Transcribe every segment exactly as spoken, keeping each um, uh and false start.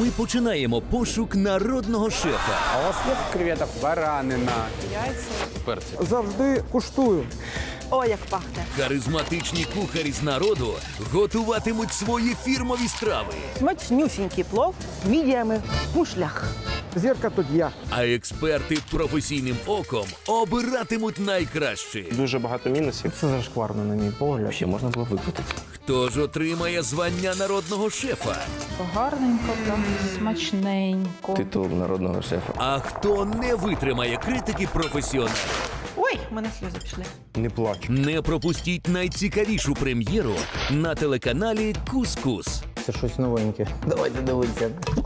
ми починаємо пошук народного шефа. А у вас є креветок? Баранина. Завжди куштую. О, як пахне. Харизматичні кухарі з народу готуватимуть свої фірмові страви. Смачнюсінький плов з мідіями в мушлях. Зірка тут я. А експерти професійним оком обиратимуть найкраще. Дуже багато мінусів. Це зашкварно, на мій погляд. Ще можна було викрутити. Хто ж отримає звання народного шефа? Гарненько, там, смачненько. Титул народного шефа. А хто не витримає критики професіоналів? Ой, в мене сльози пішли. Не плач. Не пропустіть найцікавішу прем'єру на телеканалі Кус-Кус. Це щось новеньке. Давайте дивитися.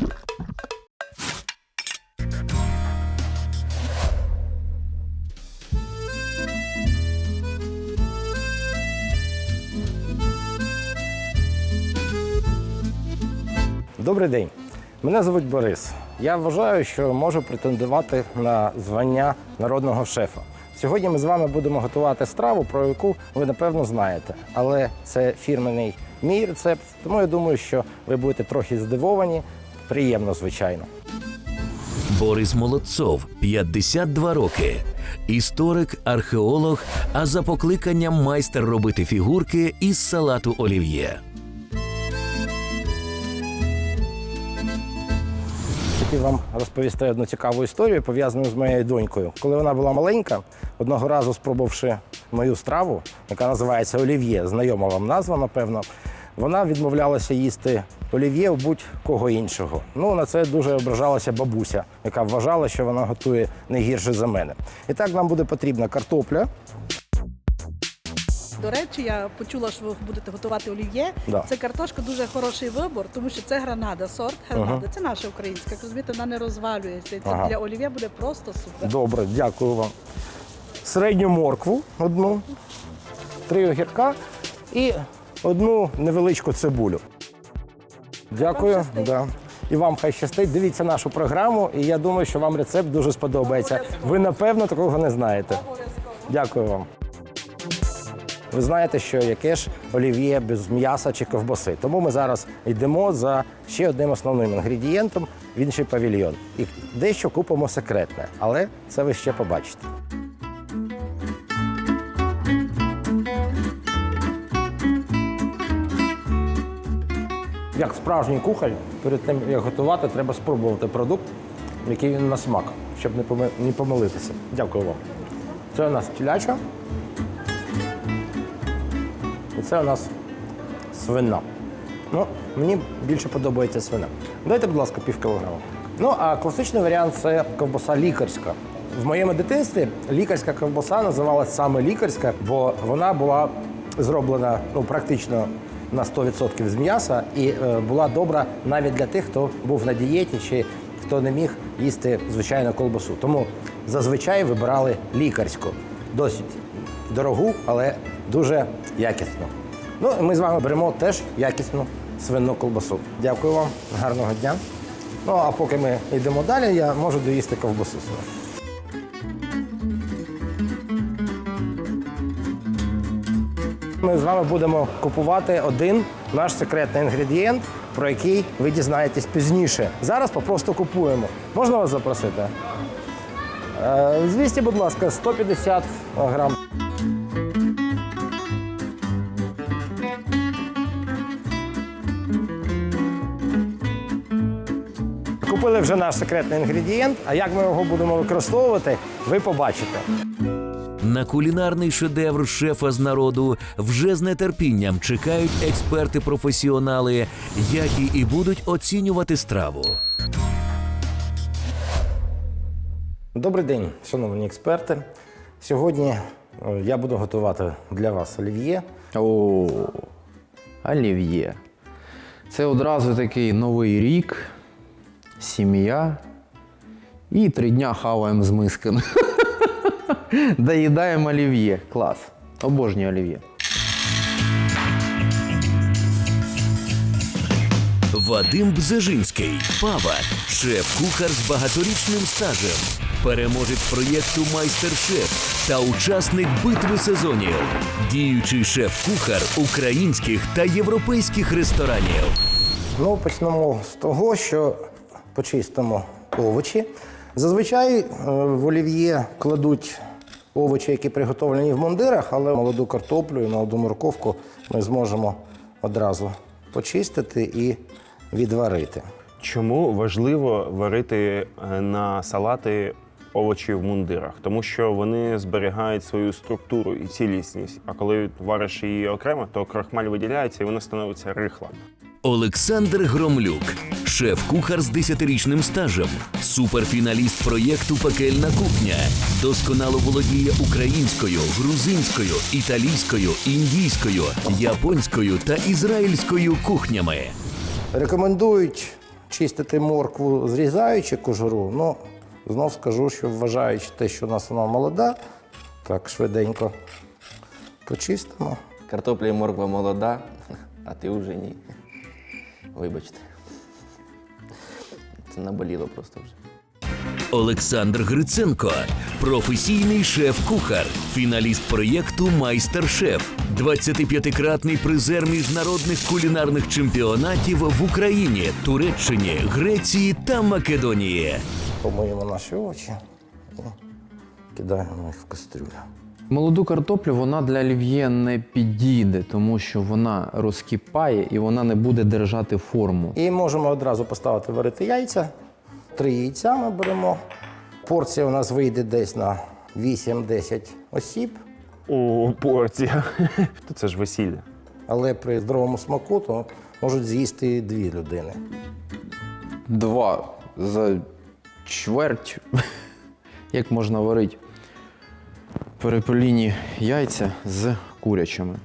Добрий день. Мене звуть Борис. Я вважаю, що можу претендувати на звання народного шефа. Сьогодні ми з вами будемо готувати страву, про яку ви, напевно, знаєте. Але це фірменний мій рецепт, тому я думаю, що ви будете трохи здивовані. Приємно, звичайно. Борис Молодцов, п'ятдесят два роки. Історик, археолог, а за покликанням майстер робити фігурки із салату олів'є. Хотів вам розповісти одну цікаву історію, пов'язану з моєю донькою. Коли вона була маленька, одного разу спробувавши мою страву, яка називається олів'є, знайома вам назва, напевно, вона відмовлялася їсти олів'є у будь-кого іншого. Ну, на це дуже ображалася бабуся, яка вважала, що вона готує не гірше за мене. І так нам буде потрібна картопля. До речі, я почула, що ви будете готувати олів'є. Да. Це картошка дуже хороший вибор, тому що це гранада, сорт гранада. Ага. Це наша українська. Як розумієте, вона не розвалюється. І це Ага. для олів'є буде просто супер. Добре, дякую вам. Середню моркву одну, три огірка і одну невеличку цибулю. Дякую. Вам щастить. Да. І вам хай щастить. Дивіться нашу програму, і я думаю, що вам рецепт дуже сподобається. Ви, напевно, такого не знаєте. Дякую вам. Ви знаєте, що яке ж олів'є без м'яса чи ковбаси. Тому ми зараз йдемо за ще одним основним інгредієнтом в інший павільйон. І дещо купимо секретне, але це ви ще побачите. Як справжній кухар, перед тим, як готувати, треба спробувати продукт, який він на смак, щоб не поми- не помилитися. Дякую вам. Це у нас теляча. І це у нас свина. Ну, мені більше подобається свина. Дайте, будь ласка, пів кілограма. Ну, а класичний варіант – це ковбаса лікарська. В моєму дитинстві лікарська ковбаса називалась саме лікарська, бо вона була зроблена ну, практично на сто відсотків з м'яса і е, була добра навіть для тих, хто був на дієті чи хто не міг їсти звичайну ковбасу. Тому зазвичай вибирали лікарську. Досить дорогу, але дуже якісну. Ну, і ми з вами беремо теж якісну свинну ковбасу. Дякую вам, гарного дня. Ну, а поки ми йдемо далі, я можу доїсти ковбасу свою. Ми з вами будемо купувати один наш секретний інгредієнт, про який ви дізнаєтесь пізніше. Зараз попросту купуємо. Можна вас запросити? Е, Звісті, будь ласка, сто п'ятдесят грам. Купили вже наш секретний інгредієнт, а як ми його будемо використовувати, ви побачите. На кулінарний шедевр шефа з народу вже з нетерпінням чекають експерти-професіонали, які і будуть оцінювати страву. Добрий день, шановні експерти. Сьогодні е, я буду готувати для вас олів'є. О, олів'є. Це одразу такий новий рік, сім'я і три дня хаваємо з мисками. Доїдаємо олів'є. Клас. Обожнюю олів'є. Вадим Бзежинський, повар, шеф-кухар з багаторічним стажем, переможець проєкту «Майстер-шеф» та учасник битви сезонів, діючий шеф-кухар українських та європейських ресторанів. Ну, почнемо з того, що почистимо овочі. Зазвичай е, в олів'є кладуть овочі, які приготовлені в мундирах, але молоду картоплю і молоду морковку ми зможемо одразу почистити і відварити. Чому важливо варити е, на салати овочі в мундирах? Тому що вони зберігають свою структуру і цілісність. А коли вариш її окремо, то крохмаль виділяється і вона становиться рихла. Олександр Громлюк, шеф-кухар з десятирічним стажем, суперфіналіст проєкту «Пекельна кухня», досконало володіє українською, грузинською, італійською, індійською, японською та ізраїльською кухнями. Рекомендують чистити моркву, зрізаючи кожуру. Ну, знов скажу, що вважаючи те, що у нас вона молода, так швиденько почистимо. Картопля і морква молода, а ти вже ні. Вибачте. Це наболіло просто вже. Олександр Гриценко, професійний шеф-кухар, фіналіст проєкту «Майстер-шеф», двадцятип'ятикратний призер міжнародних кулінарних чемпіонатів в Україні, Туреччині, Греції та Македонії. Помиємо наші овочі і кидаємо їх в кастрюлю. Молоду картоплю вона для олів'є не підійде, тому що вона розкипає і вона не буде держати форму. І можемо одразу поставити варити яйця. Три яйця ми беремо. Порція у нас вийде десь на вісім-десять осіб, О, порція. То це ж весілля. але при здоровому смаку то можуть з'їсти і дві людини. Два за чверть. Як можна варити перепеліні яйця з курячими.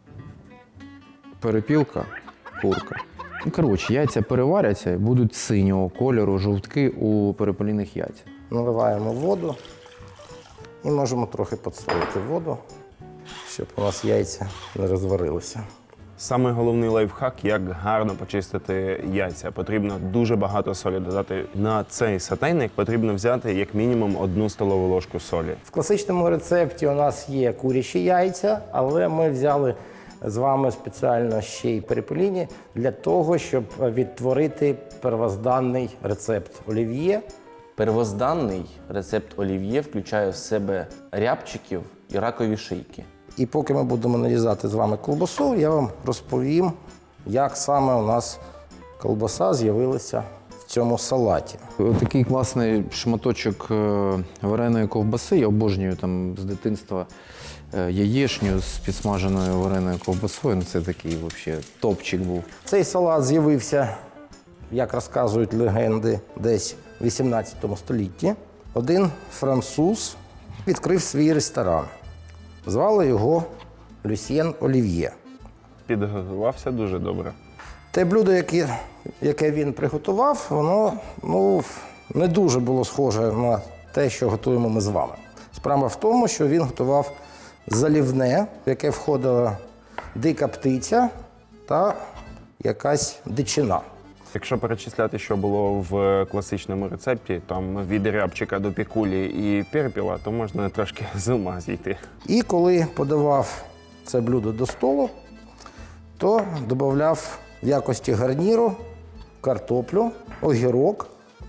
Перепілка, курка. Ну, коротше, яйця переваряться і будуть синього кольору жовтки у перепеліних яйцях. Наливаємо воду і можемо трохи підсолити воду, щоб у нас яйця не розварилися. Саме головний лайфхак, як гарно почистити яйця. Потрібно дуже багато солі додати. На цей сотейник потрібно взяти як мінімум одну столову ложку солі. В класичному рецепті у нас є курячі яйця, але ми взяли з вами спеціально ще й перепеліні для того, щоб відтворити первозданний рецепт олів'є. Первозданний рецепт олів'є включає в себе рябчиків і ракові шийки. І поки ми будемо нарізати з вами ковбасу, я вам розповім, як саме у нас ковбаса з'явилася в цьому салаті. Такий класний шматочок е, вареної ковбаси. Я обожнюю там з дитинства е, яєчню з підсмаженою вареною ковбасою. Ну, це такий взагалі топчик був. Цей салат з'явився, як розказують легенди, десь в вісімнадцятому столітті. Один француз відкрив свій ресторан. Звали його Люсьєн Олів'є. Підготувався дуже добре. Те блюдо, яке, яке він приготував, воно ну, не дуже було схоже на те, що готуємо ми з вами. Справа в тому, що він готував залівне, в яке входила дика птиця та якась дичина. Якщо перечисляти, що було в класичному рецепті, там від рябчика до пікулі і перепіла, то можна трошки з ума зійти. І коли подавав це блюдо до столу, то додавав в якості гарніру картоплю, огірок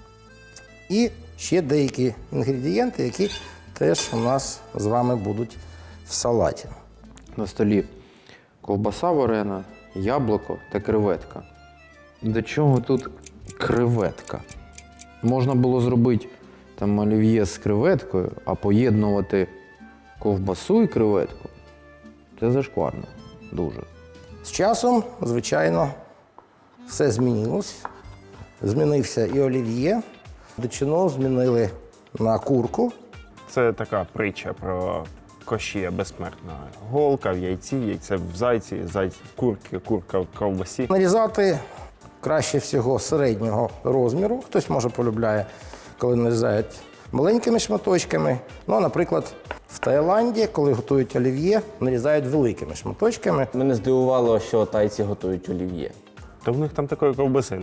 і ще деякі інгредієнти, які теж у нас з вами будуть в салаті. На столі ковбаса варена, яблуко та креветка. До чого тут креветка? Можна було зробити там олів'є з креветкою, а поєднувати ковбасу і креветку. Це зашкварно. Дуже. З часом, звичайно, все змінилось. Змінився і олів'є. Дичину змінили на курку. Це така притча про Кощія безсмертного. Голка в яйці, яйце в зайці, зайць в курці, курка в ковбасі. Нарізати краще всього середнього розміру. Хтось, може, полюбляє, коли нарізають маленькими шматочками. Ну, наприклад, в Таїланді, коли готують олів'є, нарізають великими шматочками. Мене здивувало, що тайці готують олів'є. То в них там такої ковбаси нема.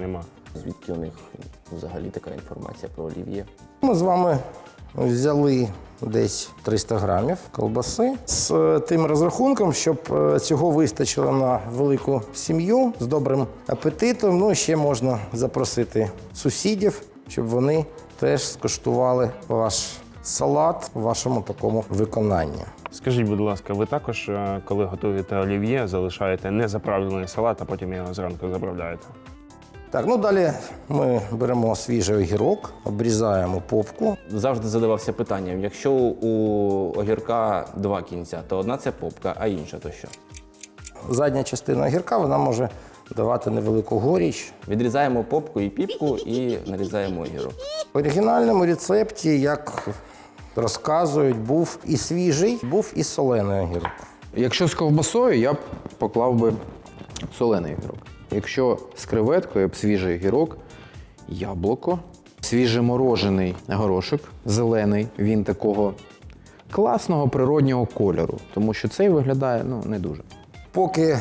Звідки у них взагалі така інформація про олів'є? Ми з вами взяли десь триста грамів колбаси з тим розрахунком, щоб цього вистачило на велику сім'ю з добрим апетитом. Ну, ще можна запросити сусідів, щоб вони теж скуштували ваш салат у вашому такому виконанні. Скажіть, будь ласка, ви також, е, коли готуєте олів'є, залишаєте незаправлений салат, а потім його зранку заправляєте? Так, ну далі ми беремо свіжий огірок, обрізаємо попку. Завжди задавався питанням, якщо у огірка два кінця, то одна це попка, а інша то що? Задня частина огірка, вона може давати невелику горіч. Відрізаємо попку і піпку і нарізаємо огірок. В оригінальному рецепті, як розказують, був і свіжий, був і солений огірок. Якщо з ковбасою, я б поклав би солений огірок. Якщо з креветкою, я б свіжий огірок, яблуко, свіжеморожений горошок, зелений, він такого класного природнього кольору, тому що цей виглядає ну, не дуже. Поки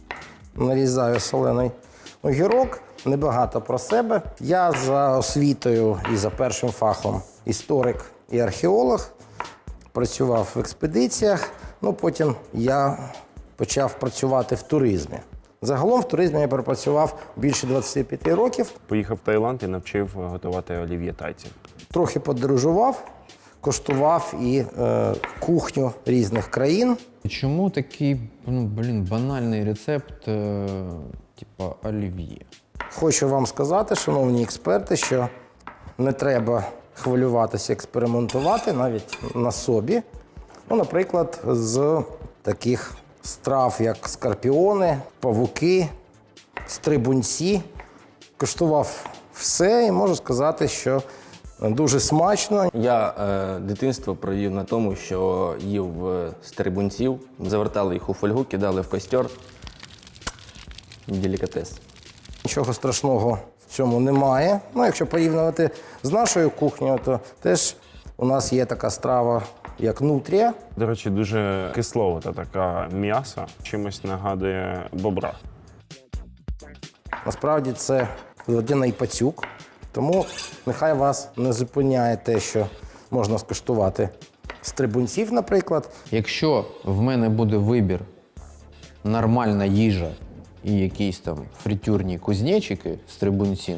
нарізаю солений огірок, небагато про себе. Я за освітою і за першим фахом історик і археолог, працював в експедиціях, ну потім я почав працювати в туризмі. Загалом в туризмі я пропрацював більше двадцяти п'яти років, Поїхав в Таїланд і навчив готувати олів'є тайців. трохи подорожував, коштував і е, кухню різних країн. Чому такий, ну, блін, банальний рецепт, е, типа олів'є? Хочу вам сказати, шановні експерти, що не треба хвилюватися, експериментувати навіть на собі. Ну, наприклад, з таких страв, як скорпіони, павуки, стрибунці. Коштував все і можу сказати, що дуже смачно. Я е, дитинство провів на тому, що їв е, стрибунців, завертали їх у фольгу, кидали в костер. Делікатес. Нічого страшного в цьому немає. Ну, якщо порівнювати з нашою кухнею, то теж у нас є така страва, як нутрія. До речі, дуже кисловата така м'ясо, чимось нагадує бобра. Насправді це водяний пацюк, тому нехай вас не зупиняє те, що можна скуштувати стрибунців, наприклад. Якщо в мене буде вибір нормальна їжа і якісь там фритюрні кузнечики з трибунців,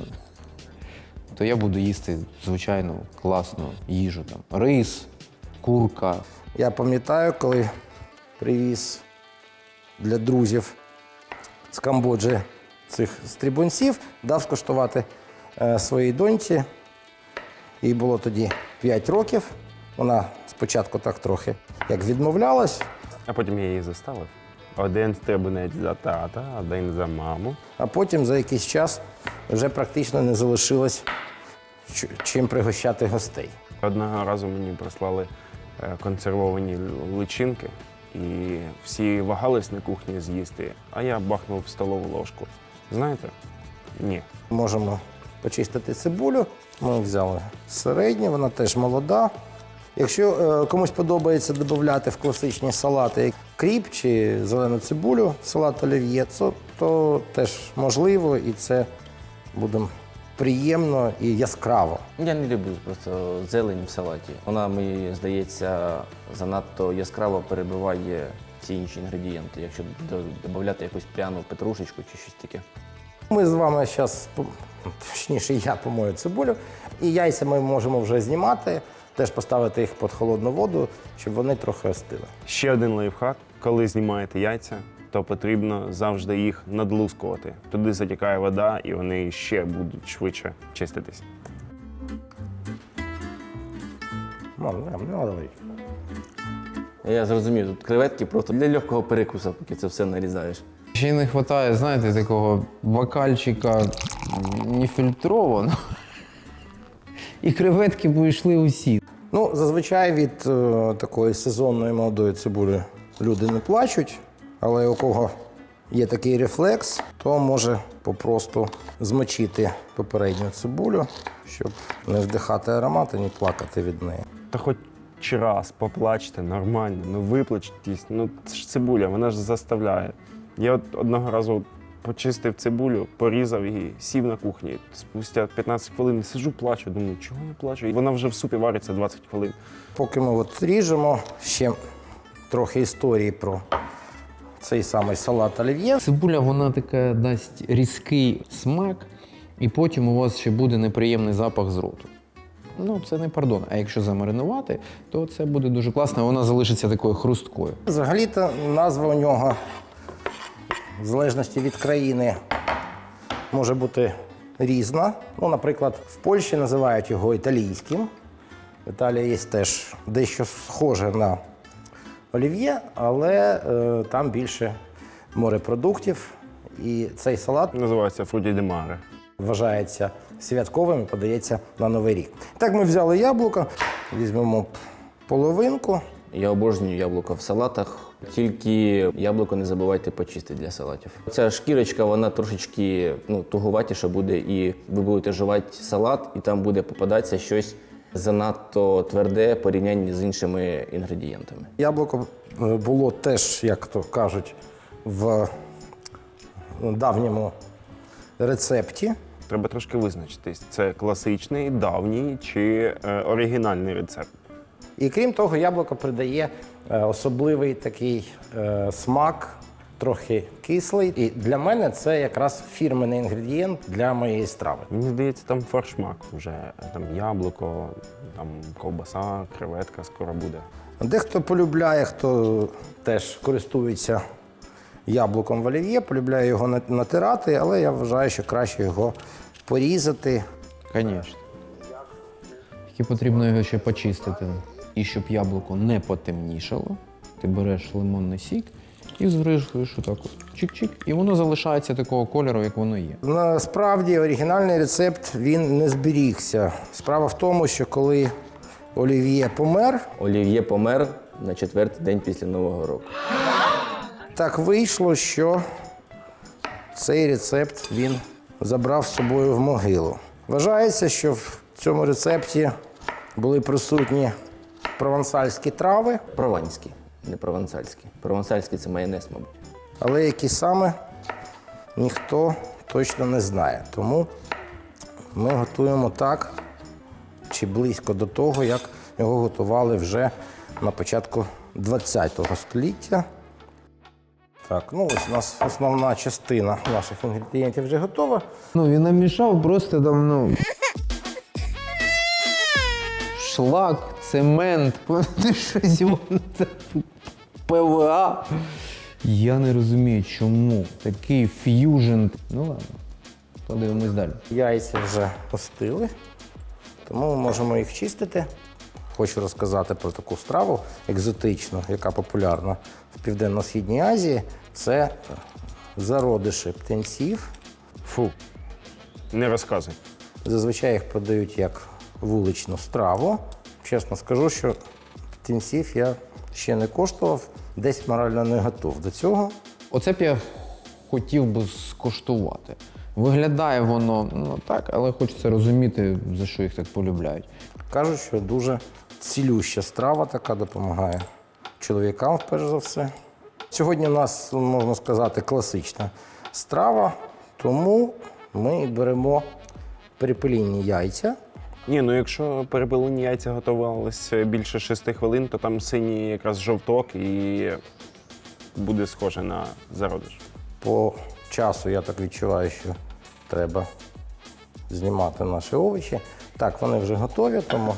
то я буду їсти звичайну класну їжу. Там рис, курка. Я пам'ятаю, коли привіз для друзів з Камбоджі цих стрибунців, дав скуштувати е, своїй доньці. Їй було тоді п'ять років. Вона спочатку так трохи як відмовлялась, А потім я її заставив. Один стрибунець за тата, один за маму. а потім за якийсь час вже практично не залишилось ч- чим пригощати гостей. Одного разу мені прислали е, консервовані личинки, і всі вагались на кухні з'їсти, а я бахнув в столову ложку. Знаєте? Ні. Можемо почистити цибулю. Ми взяли середню, вона теж молода. Якщо е, комусь подобається додати в класичні салати кріп чи зелену цибулю в салат олів'є, то, то теж можливо і це буде приємно і яскраво. Я не люблю просто зелень в салаті. Вона, мені здається, занадто яскраво перебиває всі інші інгредієнти, якщо до- додати якусь пряну петрушечку чи щось таке. Ми з вами зараз, точніше, я помою цибулю, і яйця ми можемо вже знімати, теж поставити їх під холодну воду, щоб вони трохи остили. Ще один лайфхак. Коли знімаєте яйця, то потрібно завжди їх надлускувати. Туди затікає вода, і вони ще будуть швидше чиститись. Мам, не, не треба. Я зрозумів, тут креветки просто для легкого перекусу, поки це все нарізаєш. Ще й не вистачає, знаєте, такого бокальчика нефільтрованого. І креветки б йшли усі. Ну, зазвичай від е, такої сезонної молодої цибулі люди не плачуть, але у кого є такий рефлекс, то може попросту змочити попередню цибулю, щоб не вдихати аромат і не плакати від неї. Та хоч раз поплачте нормально, ну виплачтесь. Ну це ж цибуля, вона ж заставляє. Я от одного разу почистив цибулю, порізав її, сів на кухні. Спустя п'ятнадцять хвилин сиджу, плачу, думаю, чого не плачу? І вона вже в супі вариться двадцять хвилин. Поки ми от ріжемо, ще трохи історії про цей самий салат олів'є. Цибуля, вона така дасть різкий смак, і потім у вас ще буде неприємний запах з роту. Ну, це не пардон. А якщо замаринувати, то це буде дуже класно, вона залишиться такою хрусткою. Взагалі-то назва у нього, в залежності від країни, може бути різна. Ну, наприклад, в Польщі називають його італійським. В Італії є теж дещо схоже на олів'є, але е, там більше морепродуктів. І цей салат Називається фруті ді маре. вважається святковим і подається на Новий рік. Так, ми взяли яблуко, візьмемо половинку. Я обожнюю яблука в салатах, тільки яблуко не забувайте почистити для салатів. Ця шкірочка, вона трошечки ну, тугуватіша буде, і ви будете жувати салат, і там буде попадатися щось занадто тверде в порівнянні з іншими інгредієнтами. Яблуко було теж, як то кажуть, в давньому рецепті. Треба трошки визначитись, це класичний, давній чи е, оригінальний рецепт. І крім того, яблуко придає е, особливий такий е, смак, трохи кислий. І для мене це якраз фірменний інгредієнт для моєї страви. Мені здається, там фаршмак вже, там яблуко, там ковбаса, креветка скоро буде. Дехто полюбляє, хто теж користується яблуком в олів'є, полюбляє його на- натирати, але я вважаю, що краще його порізати. Звісно. Тільки потрібно його ще почистити. І щоб яблуко не потемнішало, ти береш лимонний сік і збризкуєш отак от. Чик-чик. І воно залишається такого кольору, як воно є. Насправді оригінальний рецепт він не зберігся. Справа в тому, що коли олів'є помер, Олів'є помер на четвертий день після Нового року. так вийшло, що цей рецепт він забрав з собою в могилу. Вважається, що в цьому рецепті були присутні провансальські трави, Прованський, не провансальський. Провансальський – це майонез, мабуть. але які саме ніхто точно не знає. Тому ми готуємо так, чи близько до того, як його готували вже на початку ХХ століття. Так, ну ось у нас основна частина наших інгредієнтів вже готова. Ну, він намішав просто там, ну. Шлак, цемент, щось воно там, ПВА. Я не розумію, чому такий ф'южн. Ну ладно, подивимось далі. Яйця вже остили, тому ми можемо їх чистити. Хочу розказати про таку страву екзотичну, яка популярна в Південно-Східній Азії. Це зародиші птенців. Фу, не розказуй. Зазвичай їх подають як вуличну страву. Чесно скажу, що птенців я ще не коштував, десь морально не готов до цього. Оце б я хотів би скуштувати. Виглядає воно ну так, але хочеться розуміти, за що їх так полюбляють. Кажуть, що дуже цілюща страва така, допомагає чоловікам, перш за все. Сьогодні у нас, можна сказати, класична страва, тому ми беремо перепелінні яйця. Ні, ну якщо перепелені яйця готувалися більше шести хвилин, то там синій якраз жовток і буде схоже на зародиш. По часу я так відчуваю, що треба знімати наші овочі. Так, вони вже готові, тому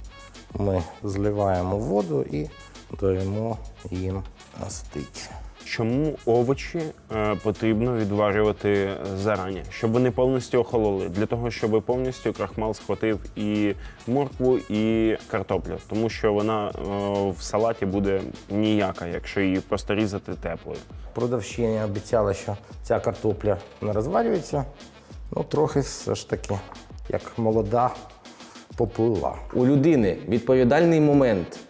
ми зливаємо воду і даємо їм остити. Чому овочі е, потрібно відварювати зарані? Щоб вони повністю охололи. Для того, щоб повністю крахмал схватив і моркву, і картоплю. Тому що вона е, в салаті буде ніяка, якщо її просто різати теплою. Продавщиня обіцяла, що ця картопля не розварюється. Ну, трохи все ж таки, як молода, поплила. У людини відповідальний момент.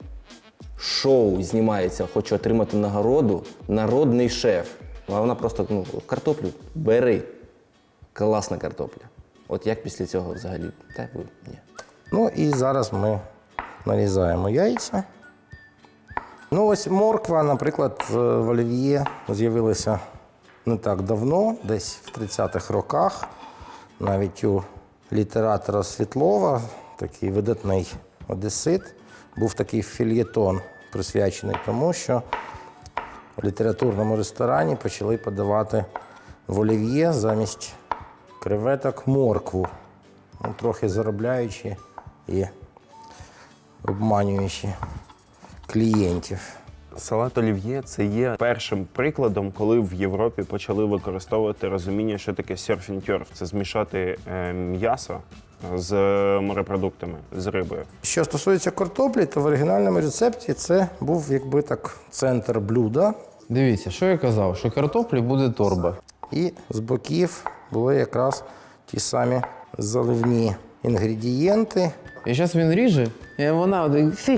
Шоу знімається, хоче отримати нагороду, народний шеф. А вона просто, ну, картоплю бери. Класна картопля. От як після цього взагалі? Та ви, ні. Ну і зараз ми нарізаємо яйця. Ну ось морква, наприклад, в олів'є з'явилася не так давно, десь в тридцятих роках, навіть у літератора Світлова, такий видатний одесит, був такий фельєтон, присвячений тому, що в літературному ресторані почали подавати в олів'є замість креветок моркву, ну, трохи заробляючи і обманюючи клієнтів. Салат олів'є – це є першим прикладом, коли в Європі почали використовувати розуміння, що таке серфінтьорф. Це змішати е, м'ясо з морепродуктами, з рибою. Що стосується картоплі, то в оригінальному рецепті це був якби так центр блюда. Дивіться, що я казав, що картоплі буде торба. І з боків були якраз ті самі заливні інгредієнти. І зараз він ріже, і вона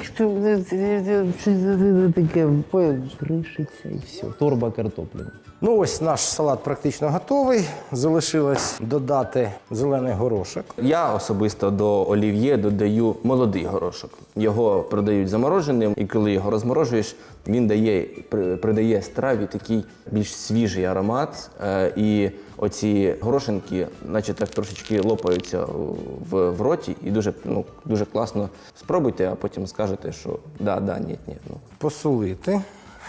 таке кришиться і все. Торба картоплі. Ну ось наш салат практично готовий. Залишилось додати зелений горошок. Я особисто до олів'є додаю молодий горошок. Його продають замороженим, і коли його розморожуєш, він дає, при- придає страві такий більш свіжий аромат. Е, І оці горошинки, наче так трошечки лопаються в, в роті, і дуже, ну, дуже класно спробуйте, а потім скажете, що да, да, ні, ні. Ну. Посолити.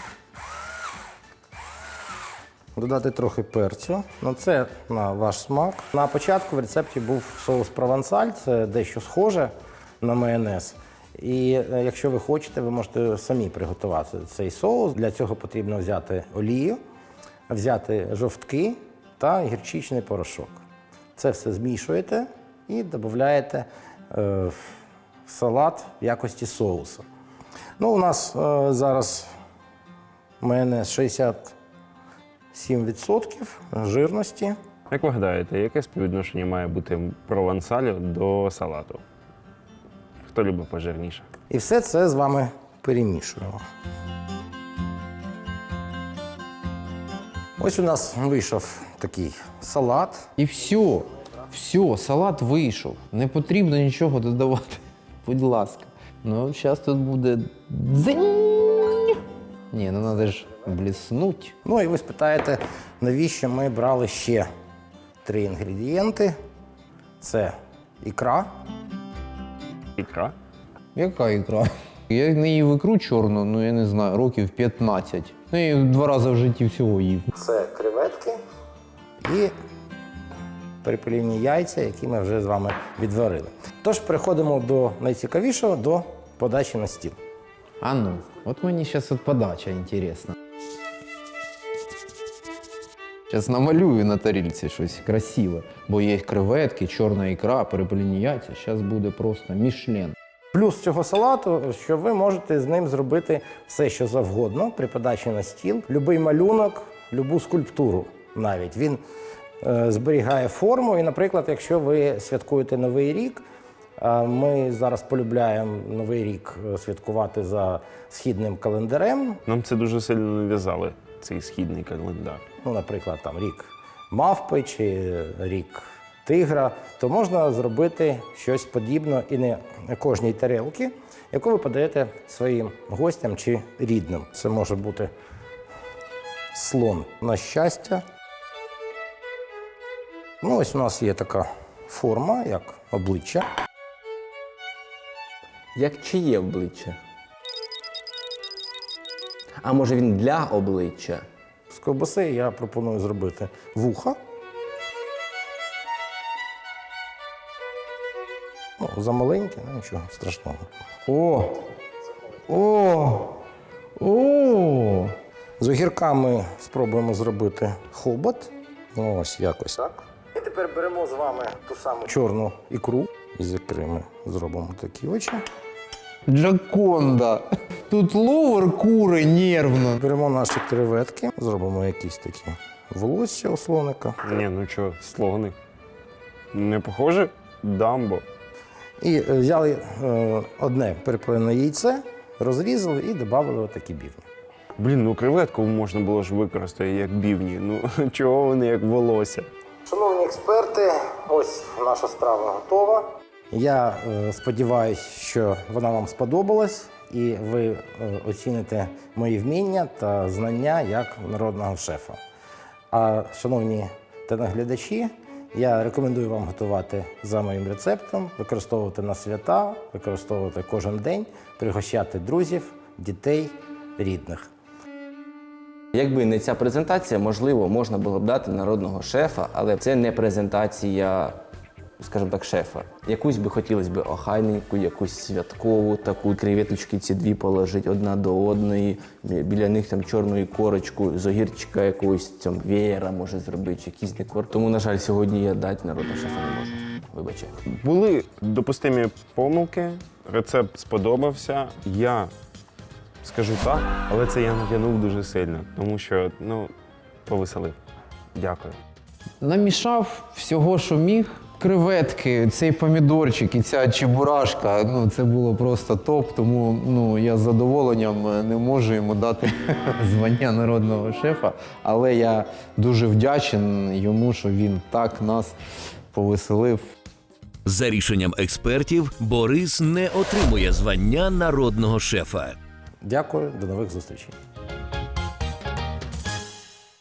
Додати трохи перцю. Ну, це на ваш смак. На початку в рецепті був соус провансаль, це дещо схоже на майонез. І е, якщо ви хочете, ви можете самі приготувати цей соус. Для цього потрібно взяти олію, взяти жовтки та гірчичний порошок. Це все змішуєте і додаєте е, в салат в якості соусу. Ну, у нас е, зараз майонез шістдесят сім відсотків жирності. Як ви гадаєте, яке співвідношення має бути провансалю до салату? Хто любить пожирніше? І все це з вами перемішуємо. Ось у нас вийшов такий салат. І все, все, салат вийшов. Не потрібно нічого додавати. Будь ласка. Ну, зараз тут буде дзинь. Ні, ну треба ж бліснуть. Ну і ви спитаєте, навіщо ми брали ще три інгредієнти. Це ікра. Ікра? Яка ікра? Я не їв ікру чорну, ну я не знаю, років п'ятнадцять. Ну, я її два рази в житті всього їв. Це креветки і перепеліні яйця, які ми вже з вами відварили. Тож переходимо до найцікавішого, до подачі на стіл. А ну, от мені зараз от подача інтересна. Зараз намалюю на тарілці щось красиве, бо є креветки, чорна ікра, перепелені яйця. Зараз буде просто мішлен. Плюс цього салату, що ви можете з ним зробити все, що завгодно при подачі на стіл. Любий малюнок, любу скульптуру навіть. Він е, зберігає форму. І, наприклад, якщо ви святкуєте Новий рік, а ми зараз полюбляємо Новий рік святкувати за східним календарем. Нам це дуже сильно нав'язали, цей східний календар. Ну, наприклад, там рік мавпи чи рік тигра, то можна зробити щось подібне і не на кожній тарілці, яку ви подаєте своїм гостям чи рідним. Це може бути слон на щастя. Ну, ось у нас є така форма, як обличчя. Як чиє обличчя? А може він для обличчя? З ковбаси я пропоную зробити вуха. Ну, замаленьке, ну нічого страшного. О! О! О! З огірками спробуємо зробити хобот. Ну, ось якось так. І тепер беремо з вами ту саму чорну ікру. І з ікри ми зробимо такі очі. Джаконда. Тут ловер кури нервно. Беремо наші креветки, зробимо якісь такі волосся у слоника. Ні, ну що, слони. Не похоже? Дамбо. І е, взяли е, одне перепелене яйце, розрізали і додали отакі бівні. Блін, ну креветку можна було ж використати як бівні. Ну чого вони як волосся? Шановні експерти, ось наша страва готова. Я е, сподіваюся, що вона вам сподобалась і ви е, оціните мої вміння та знання як народного шефа. А шановні телеглядачі, я рекомендую вам готувати за моїм рецептом, використовувати на свята, використовувати кожен день, пригощати друзів, дітей, рідних. Якби не ця презентація, можливо, можна було б дати народного шефа, але це не презентація, скажімо так, шефа. Якусь би хотілося б охайненьку, якусь святкову, таку креветочки ці дві положити одна до одної, біля них там чорну корочку, з огірчика якогось там веєра може зробити, чи якийсь декор. Тому, на жаль, сьогодні я дати народного шефа не можу. Вибачайте. Були допустимі помилки, рецепт сподобався. Я скажу так, але це я натягнув дуже сильно, тому що, ну, повеселив. Дякую. Намішав всього, що міг. Креветки, цей помідорчик і ця чебурашка, ну це було просто топ, тому ну, я з задоволенням не можу йому дати звання народного шефа, але я дуже вдячен йому, що він так нас повеселив. За рішенням експертів, Борис не отримує звання народного шефа. Дякую, до нових зустрічей.